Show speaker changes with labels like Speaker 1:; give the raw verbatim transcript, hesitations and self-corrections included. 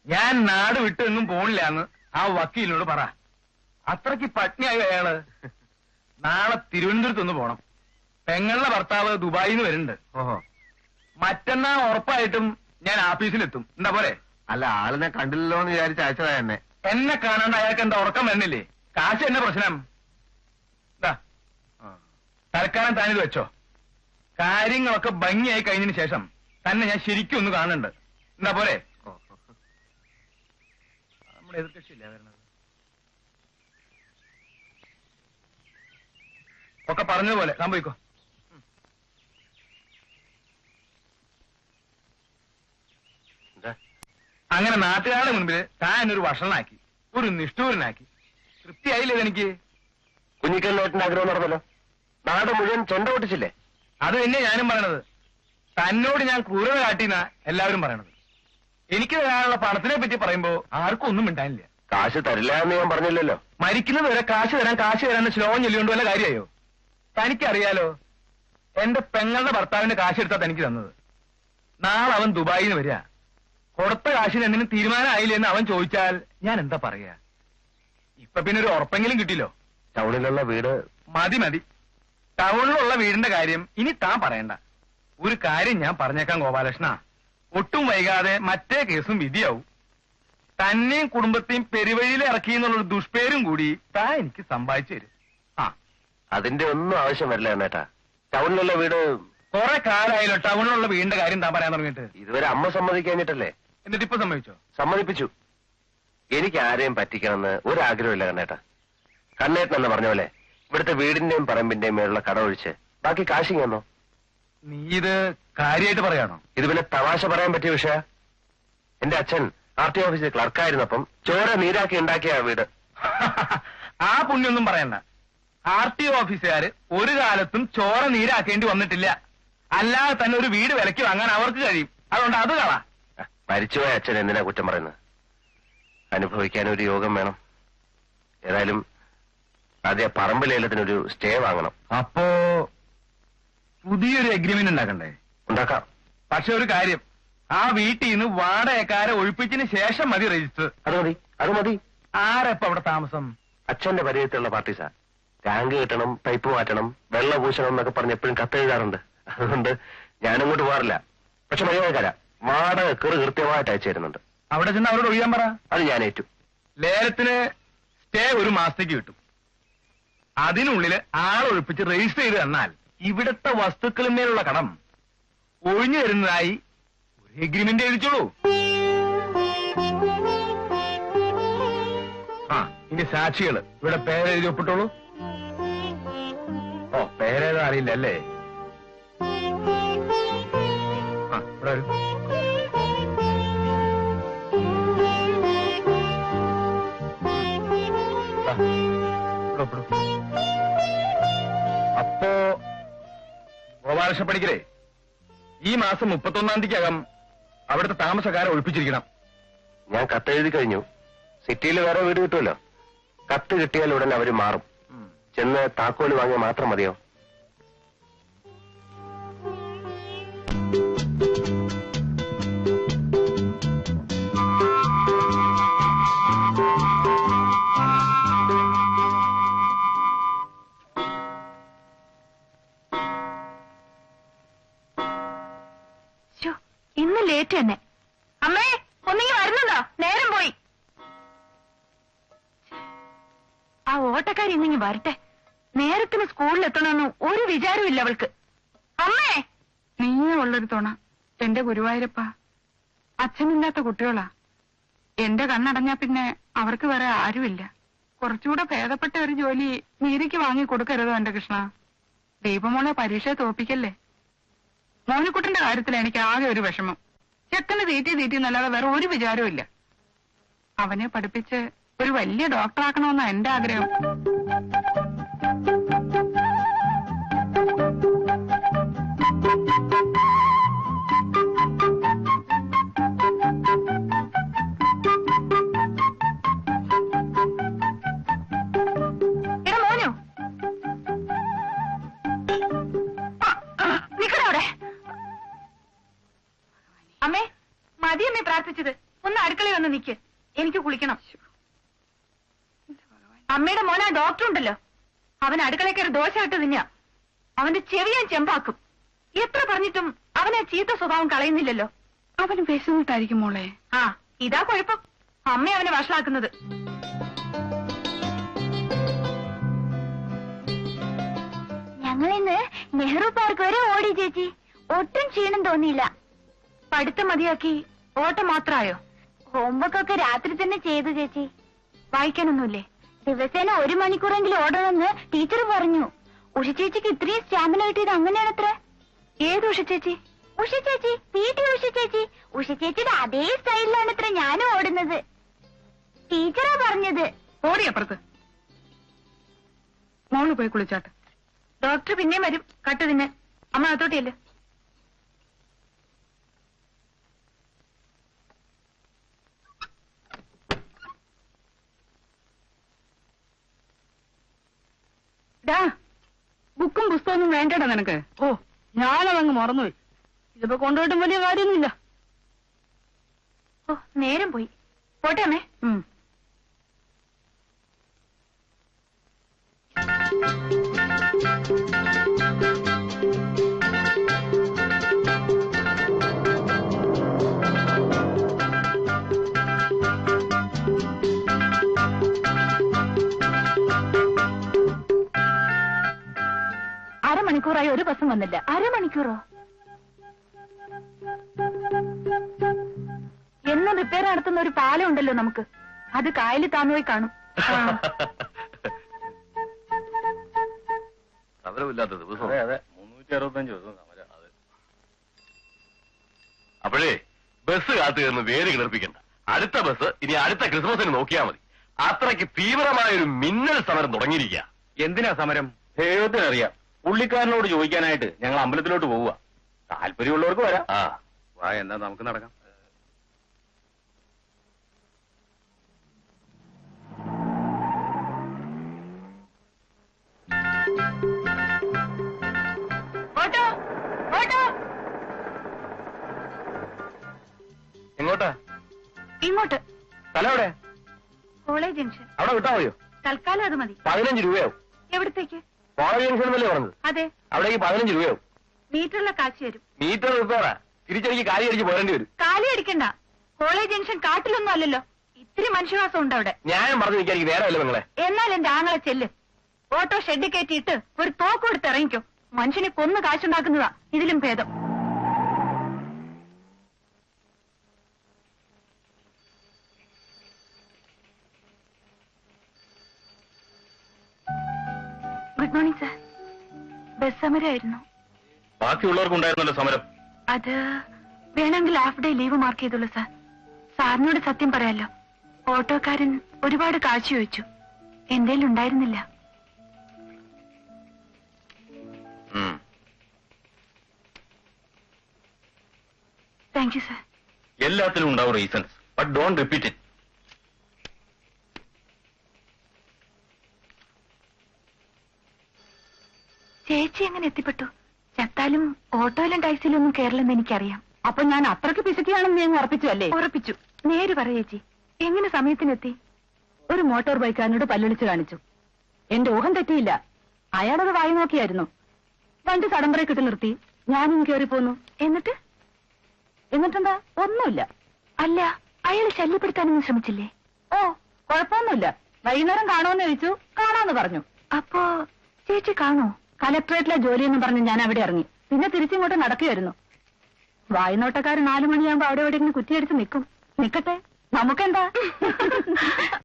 Speaker 1: ഞാൻ നാട് വിട്ടെങ്ങും പോണില്ലാന്ന് ആ വക്കീലിനോട് പറ. അത്രയ്ക്ക് പട്നിയായി അയാള്. നാളെ തിരുവനന്തപുരത്തൊന്ന് പോണം. പെങ്ങളുടെ ഭർത്താവ് ദുബായിൽ നിന്ന് വരുന്നുണ്ട്.
Speaker 2: ഓഹോ.
Speaker 1: മറ്റന്നാ ഉറപ്പായിട്ടും ഞാൻ ആഫീസിലെത്തും. എന്താ പോലെ?
Speaker 2: അല്ല, ആളിനെ കണ്ടില്ലല്ലോ എന്ന് വിചാരിച്ച അയച്ചതാ എന്നെ.
Speaker 1: എന്നെ കാണാണ്ട് അയാൾക്ക് എന്താ ഉറക്കം വരുന്നില്ലേ? കാശ് എന്നെ പ്രശ്നം. തൽക്കാലം താനിത് വെച്ചോ. കാര്യങ്ങളൊക്കെ ഭംഗിയായി കഴിഞ്ഞതിന് ശേഷം തന്നെ ഞാൻ ശരിക്കും ഒന്ന് കാണുന്നുണ്ട്. എന്താ പോലെ? നമ്മുടെ എതിർകക്ഷിയില്ല വരണത്. ഒക്കെ പറഞ്ഞതുപോലെ സംഭവിക്കോ. അങ്ങനെ നാട്ടുകാരുടെ മുൻപിൽ താൻ ഒരു വഷളനാക്കി, ഒരു നിഷ്ഠൂരനാക്കി. തൃപ്തിയായില്ലേ എനിക്ക്?
Speaker 2: കുഞ്ഞിക്കല്ലേട്ടന്റെ ആഗ്രഹം നടന്നല്ലോ. നാട് മുഴുവൻ ചെണ്ട പൊട്ടിച്ചില്ലേ?
Speaker 1: അത് തന്നെ ഞാനും പറയണത്. തന്നോട് ഞാൻ ക്രൂരത കാട്ടിന്നാ എല്ലാവരും പറയണത്. എനിക്ക് തരാനുള്ള പണത്തിനെ പറ്റി പറയുമ്പോ ആർക്കും ഒന്നും മിണ്ടാനില്ല.
Speaker 2: കാശ് തരില്ല എന്ന് ഞാൻ പറഞ്ഞില്ലല്ലോ.
Speaker 1: മരിക്കുന്നത് വരെ കാശ് തരാൻ കാശ് തരാന്ന് ശ്ലോകം ചൊല്ലിക്കൊണ്ട് വല്ല കാര്യമായോ? തനിക്കറിയാലോ, എന്റെ പെങ്ങളുടെ ഭർത്താവിന്റെ കാശ് എടുത്താ തനിക്ക് തന്നത്. നാളെ അവൻ ദുബായിൽ നിന്ന് വരിക. കൊടുത്ത കാശിന് എന്തിനും തീരുമാനമായില്ലേ എന്ന് അവൻ ചോദിച്ചാൽ ഞാൻ എന്താ പറയാ? ഇപ്പൊ പിന്നെ ഒരു ഉറപ്പെങ്കിലും കിട്ടില്ലോ.
Speaker 2: ടൗണിലുള്ള വീട്
Speaker 1: മതി മതി. ടൗണിലുള്ള വീടിന്റെ കാര്യം ഇനി താൻ പറയണ്ട. ഒരു കാര്യം ഞാൻ പറഞ്ഞേക്കാം ഗോപാലകൃഷ്ണ, ഒട്ടും വൈകാതെ മറ്റേ കേസും വിധിയാവും. തന്നെയും കുടുംബത്തെയും പെരുവഴിയിൽ ഇറക്കി എന്നുള്ളൊരു ദുഷ്പേരും കൂടി താൻ എനിക്ക് സമ്പാദിച്ചു തരും. ആ,
Speaker 2: അതിന്റെ ഒന്നും ആവശ്യം വരില്ല എന്നേട്ടാ. ടൗണിലുള്ള വീട്
Speaker 1: കുറെ കാലമായല്ലോ ടൗണിലുള്ള വീടിന്റെ കാര്യം താൻ പറയാൻ തുടങ്ങിയിട്ട്.
Speaker 2: ഇതുവരെ അമ്മ സമ്മതിക്കഴിഞ്ഞിട്ടല്ലേ?
Speaker 1: എന്നിട്ട് ഇപ്പൊ സമ്മതിച്ചോ?
Speaker 2: സമ്മതിപ്പിച്ചു. എനിക്ക് ആരെയും പറ്റിക്കണമെന്ന് ഒരാഗ്രഹമില്ല കണ്ണേട്ടാ. കണ്ണേട്ടൻ എന്ന് പറഞ്ഞ പോലെ ഇവിടുത്തെ വീടിന്റെയും പറമ്പിന്റെയും മേലുള്ള കട ഒഴിച്ച് ബാക്കി കാശിങ് തന്നോ.
Speaker 1: നീ ഇത് കാര്യമായിട്ട് പറയാണോ?
Speaker 2: ഇത് പിന്നെ തമാശ പറയാൻ പറ്റിയ വിഷയ. എന്റെ അച്ഛൻ ആർ ടി ഓഫീസിൽ ക്ലർക്കായിരുന്നപ്പം ചോര നീരാക്കി ഉണ്ടാക്കിയ വീട്.
Speaker 1: ആ പുണ്യൊന്നും പറയണ്ട. ആർ ടി ഓഫീസുകാര് ഒരു കാലത്തും ചോര നീരാക്കേണ്ടി വന്നിട്ടില്ല. അല്ലാതെ തന്നെ ഒരു വീട് വിലക്ക് വാങ്ങാൻ അവർക്ക് കഴിയും. അതുകൊണ്ട് അത് കളാ.
Speaker 2: മരിച്ചുപോയ അച്ഛൻ എന്തിനാ കുറ്റം പറയുന്നത്? അനുഭവിക്കാൻ ഒരു യോഗം വേണം. ഏതായാലും ആദ്യ പറമ്പ് ലേലത്തിനൊരു സ്റ്റേ വാങ്ങണം.
Speaker 1: അപ്പോ പുതിയൊരു എഗ്രിമെന്റ് ഉണ്ടാക്കണ്ടേ?
Speaker 2: ഉണ്ടാക്കാം.
Speaker 1: പക്ഷെ ഒരു കാര്യം, ആ വീട്ടിൽ നിന്ന് വാടകക്കാരെ ഒഴിപ്പിച്ചതിന് ശേഷം മതി രജിസ്റ്റർ.
Speaker 2: അത് മതി, അത് മതി.
Speaker 1: ആരെപ്പ അവിടെ താമസം?
Speaker 2: അച്ഛന്റെ പരിചയത്തിലുള്ള പാർട്ടീസാ. ടാങ്ക് കിട്ടണം, പൈപ്പ് മാറ്റണം, വെള്ളം പൂശണം എന്നൊക്കെ പറഞ്ഞ് എപ്പോഴും കത്തെഴുതാറുണ്ട്. അതുകൊണ്ട് ഞാനങ്ങോട്ട് പോകാറില്ല. പക്ഷെ മര്യാദക്കാരാ. വാടക കെറു കൃത്യമായിട്ട് അയച്ചു തരുന്നുണ്ട്.
Speaker 1: അവിടെ ചെന്ന് അവരോട് ഒഴിയാൻ പറ.
Speaker 2: അത് ഞാൻ ഏറ്റു.
Speaker 1: ലേലത്തിന് സ്റ്റേ ഒരു മാസത്തേക്ക് കിട്ടും. അതിനുള്ളിൽ ആളൊഴിപ്പിച്ച് രജിസ്റ്റർ ചെയ്ത് തന്നാൽ ഇവിടുത്തെ വസ്തുക്കളിന്മേലുള്ള കടം ഒഴിഞ്ഞു തരുന്നതായി ഒരു എഗ്രിമെന്റ് എഴുതിച്ചോളൂ. ആ, ഇനി സാക്ഷികള് ഇവിടെ പേരെഴുതി ഒപ്പിട്ടോളൂ. ഓ, പേരേതാ അറിയില്ല അല്ലേ? ആ, ഇവിടെ വരും. അപ്പോ ഗോപാലകൃഷ്ണ പണിക്കരെ, ഈ മാസം മുപ്പത്തൊന്നാം തീയതിക്കകം അവിടുത്തെ താമസക്കാരെ ഒഴിപ്പിച്ചിരിക്കണം.
Speaker 2: ഞാൻ കത്തെഴുതി കഴിഞ്ഞു. സിറ്റിയിൽ വേറെ വീട് കിട്ടുമല്ലോ. കത്ത് കിട്ടിയാൽ ഉടൻ അവര് മാറും. ചെന്ന് താക്കോല് വാങ്ങിയാൽ മാത്രം മതിയോ?
Speaker 3: ഇന്ന് ലേറ്റ് തന്നെ. അമ്മേ, ഒന്നിങ്ങി വരുന്നുണ്ടോ? നേരം പോയി. ആ ഓട്ടക്കാരി ഇന്നിങ്ങി വരട്ടെ. നേരത്തിന് സ്കൂളിലെത്തണമെന്ന് ഒരു വിചാരമില്ല അവൾക്ക്. അമ്മേ,
Speaker 4: നീയേ ഉള്ളൊരു തുണ എന്റെ ഗുരുവായൂരപ്പ. അച്ഛനില്ലാത്ത കുട്ടികളാ. എന്റെ കണ്ണടഞ്ഞാ പിന്നെ അവർക്ക് വേറെ ആരുമില്ല. കുറച്ചുകൂടെ ഭേദപ്പെട്ട ഒരു ജോലി നീരിക്ക് വാങ്ങി കൊടുക്കരുതോ എന്റെ കൃഷ്ണ. ദീപമോളെ പരീക്ഷയെ തോപ്പിക്കല്ലേ. മോനിക്കുട്ടന്റെ കാര്യത്തിൽ എനിക്ക് ആകെ ഒരു വിഷമം. ചെക്കന് തീറ്റി തീറ്റി എന്നല്ലാതെ വേറെ ഒരു വിചാരവും ഇല്ല. അവനെ പഠിപ്പിച്ച് ഒരു വലിയ ഡോക്ടറാക്കണമെന്നാ എന്റെ ആഗ്രഹം.
Speaker 3: അമ്മേ, മതിയമ്മേ പ്രാർത്ഥിച്ചത്. ഒന്ന് അടുക്കളയിൽ വന്ന് നിക്ക്, എനിക്ക് കുളിക്കണം. അമ്മയുടെ മോനെ ഡോക്ടർ ഉണ്ടല്ലോ, അവൻ അടുക്കളയിൽ കയറി ദോശ ഇട്ട് തിന്നാ. അവന്റെ ചെവി ഞാൻ ചെമ്പാക്കും. എത്ര പറഞ്ഞിട്ടും അവനെ ചീത്ത സ്വഭാവം കളയുന്നില്ലല്ലോ.
Speaker 4: അവന് വിശന്നിട്ടായിരിക്കും മോളെ.
Speaker 3: ആ, ഇതാ കുഴപ്പം. അമ്മ അവനെ വഷളാക്കുന്നത്.
Speaker 5: ഞങ്ങളിന്ന് നെഹ്റു പാർക്ക് വരെ ഓടി ചേച്ചി. ഒട്ടും ക്ഷീണം തോന്നിയില്ല.
Speaker 3: പഠിത്തം മതിയാക്കി ഓട്ടം മാത്രായോ?
Speaker 5: ഹോംവർക്ക് ഒക്കെ രാത്രി തന്നെ ചെയ്തു ചേച്ചി.
Speaker 3: വായിക്കാനൊന്നുമില്ലേ?
Speaker 5: ദിവസേന ഒരു മണിക്കൂറെങ്കിലും ഓടണമെന്ന് ടീച്ചർ പറഞ്ഞു. ഉഷ ചേച്ചിക്ക് ഇത്രയും സ്റ്റാമിന കിട്ടിയത് അങ്ങനെയാണത്രേ.
Speaker 3: ഏത് ഉഷ ചേച്ചി?
Speaker 5: ഉഷ ചേച്ചി, പി ടി ഉഷ ചേച്ചി. ഉഷ ചേച്ചിയുടെ അതേ സ്റ്റൈലിലാണ് ഇത്ര ഞാനും ഓടുന്നത്. ടീച്ചറാ പറഞ്ഞത്.
Speaker 4: ഓടിയപ്പുറത്ത് മോള് പോയി കുളിച്ചാട്ടെ.
Speaker 3: ഡോക്ടർ പിന്നെയും വരും കട്ട് തിന്നെ. അമ്മ അകത്തോട്ടിയല്ലേ.
Speaker 4: ഡാ, ബുക്കും പുസ്തകമൊന്നും വേണ്ടടാ നിനക്ക്. ഓ, ഞാനതങ്ങ് മറന്നുപോയി. ഇതിപ്പോ കൊണ്ടുപോയിട്ടും വലിയ കാര്യമൊന്നുമില്ല.
Speaker 3: ഓ, നേരം പോയി. പോട്ടെ അമ്മേ.
Speaker 4: ഉം.
Speaker 3: അരമണിക്കൂറായി ഒരു ബസ്സും വന്നില്ല.
Speaker 5: അരമണിക്കൂറോ?
Speaker 3: എന്നും റിപ്പയർ നടത്തുന്ന ഒരു പാലം ഉണ്ടല്ലോ നമുക്ക്. അത് കായലിൽ താന്നുപോയി കാണും.
Speaker 2: സമരമില്ലാത്ത ദിവസം.
Speaker 1: അതെ അതെ, മുന്നൂറ്റി അറുപത്തഞ്ച് ദിവസം സമരം. അതെ.
Speaker 2: അപ്പോഴേ ബസ് കാത്തു നിന്ന് വേര് കിളർപ്പിക്കണ്ട. അടുത്ത ബസ് ഇനി അടുത്ത ക്രിസ്മസിന് നോക്കിയാൽ മതി. അത്രയ്ക്ക് തീവ്രമായ ഒരു മിന്നൽ സമരം തുടങ്ങിയിരിക്കുക.
Speaker 1: എന്തിനാ സമരം? ദൈവത്തിനറിയാം. പുള്ളിക്കാരനോട് ചോദിക്കാനായിട്ട് ഞങ്ങൾ അമ്പലത്തിലോട്ട് പോവുക. താല്പര്യമുള്ളവർക്ക് വരാം.
Speaker 2: ആ,
Speaker 1: വാ, എന്നാ നമുക്ക് നടക്കാം.
Speaker 3: Auto, auto.
Speaker 1: എങ്ങോട്ടാ?
Speaker 3: ഇങ്ങോട്ട്.
Speaker 1: സ്ഥലം എവിടെ?
Speaker 3: College junction.
Speaker 1: അവിടെ വിട്ടാ മതിയോ?
Speaker 3: തൽക്കാലം അത് മതി.
Speaker 1: പതിനഞ്ച് രൂപയാവും.
Speaker 3: എവിടത്തേക്ക്?
Speaker 1: കോളേജ് ജംഗ്ഷൻ എന്നല്ലേ പറഞ്ഞത്?
Speaker 3: അതെ,
Speaker 1: അവിടേക്ക് പതിനഞ്ച് രൂപയാവും.
Speaker 3: മീറ്ററുള്ള കാശ് തരും.
Speaker 1: മീറ്റർ റിപ്പയറാ. തിരിച്ചടിക്ക് കാലി അടിച്ച് പോരേണ്ടി വരും.
Speaker 3: കാലി അടിക്കണ്ട. കോളേജ് ജംഗ്ഷൻ കാട്ടിലൊന്നും അല്ലല്ലോ. ഇത്തിരി മനുഷ്യവാസം ഉണ്ട് അവിടെ.
Speaker 1: ന്യായം പറഞ്ഞു നിൽക്കാൻ എനിക്ക് നേരമല്ല നിങ്ങളെ.
Speaker 3: എന്നാൽ എന്റെ ആങ്ങളെ ചെല്ല്. ഓട്ടോ ഷെഡ് കയറ്റിയിട്ട് ഒരു തോക്ക് കൊടുത്ത് ഇറങ്ങിക്കോ. മനുഷ്യനെ കൊന്നു കാശുണ്ടാക്കുന്നതാ ഇതിലും ഭേദം. Good morning sir. ബസ് സമരമായിരുന്നു.
Speaker 1: ബാക്കിയുള്ളവർക്കുണ്ടായിരുന്നല്ലോ സമരം.
Speaker 3: അത് വേണമെങ്കിൽ ഹാഫ് ഡേ ലീവ് മാർക്ക് ചെയ്തോളൂ സാർ. സാറിനോട് സത്യം പറയാലോ, ഓട്ടോക്കാരൻ ഒരുപാട് കാശ് ചോദിച്ചു. എന്തേലും ഉണ്ടായിരുന്നില്ല. Thank you sir.
Speaker 1: എല്ലാത്തിലും ഉണ്ടാവും reasons, but don't repeat it.
Speaker 3: ചേച്ചി എങ്ങനെ എത്തിപ്പെട്ടു? ചത്താലും ഓട്ടോയിലും ടാക്സിയിലും ഒന്നും കേരളമെന്ന് എനിക്കറിയാം.
Speaker 4: അപ്പൊ ഞാൻ അത്രയ്ക്ക് പിശുക്കിയാണെന്ന് ഞാൻ ഉറപ്പിച്ചു അല്ലേ?
Speaker 3: ഉറപ്പിച്ചു. നേര് പറ ചേച്ചി, എങ്ങനെ സമയത്തിനെത്തി?
Speaker 4: ഒരു മോട്ടോർ ബൈക്കാരനോട് പല്ലൊളിച്ച് കാണിച്ചു. എന്റെ ഊഹം തെറ്റിയില്ല. അയാളത് വായി നോക്കിയായിരുന്നു. വണ്ടി സടംബറെ കിട്ടി നിർത്തി. ഞാനും കയറി പോന്നു.
Speaker 3: എന്നിട്ട്?
Speaker 4: എന്നിട്ടെന്താ? ഒന്നുമില്ല.
Speaker 3: അല്ല, അയാൾ ശല്യപ്പെടുത്താനൊന്നും ശ്രമിച്ചില്ലേ?
Speaker 4: ഓ, കുഴപ്പമൊന്നുമില്ല. വൈകുന്നേരം കാണുമെന്ന് ചോദിച്ചു. കാണാന്ന് പറഞ്ഞു.
Speaker 3: അപ്പോ ചേച്ചി കാണോ?
Speaker 4: കലക്ടറേറ്റിലെ ജോലിയെന്ന് പറഞ്ഞ് ഞാൻ അവിടെ ഇറങ്ങി. പിന്നെ തിരിച്ചിങ്ങോട്ട് നടക്കുകയായിരുന്നു. വായ്നോട്ടക്കാരൻ നാലു മണിയാകുമ്പോ അവിടെ എവിടെയെങ്കിലും കുറ്റിയടിച്ച് നിൽക്കും. നിക്കട്ടെ, നമുക്കെന്താ?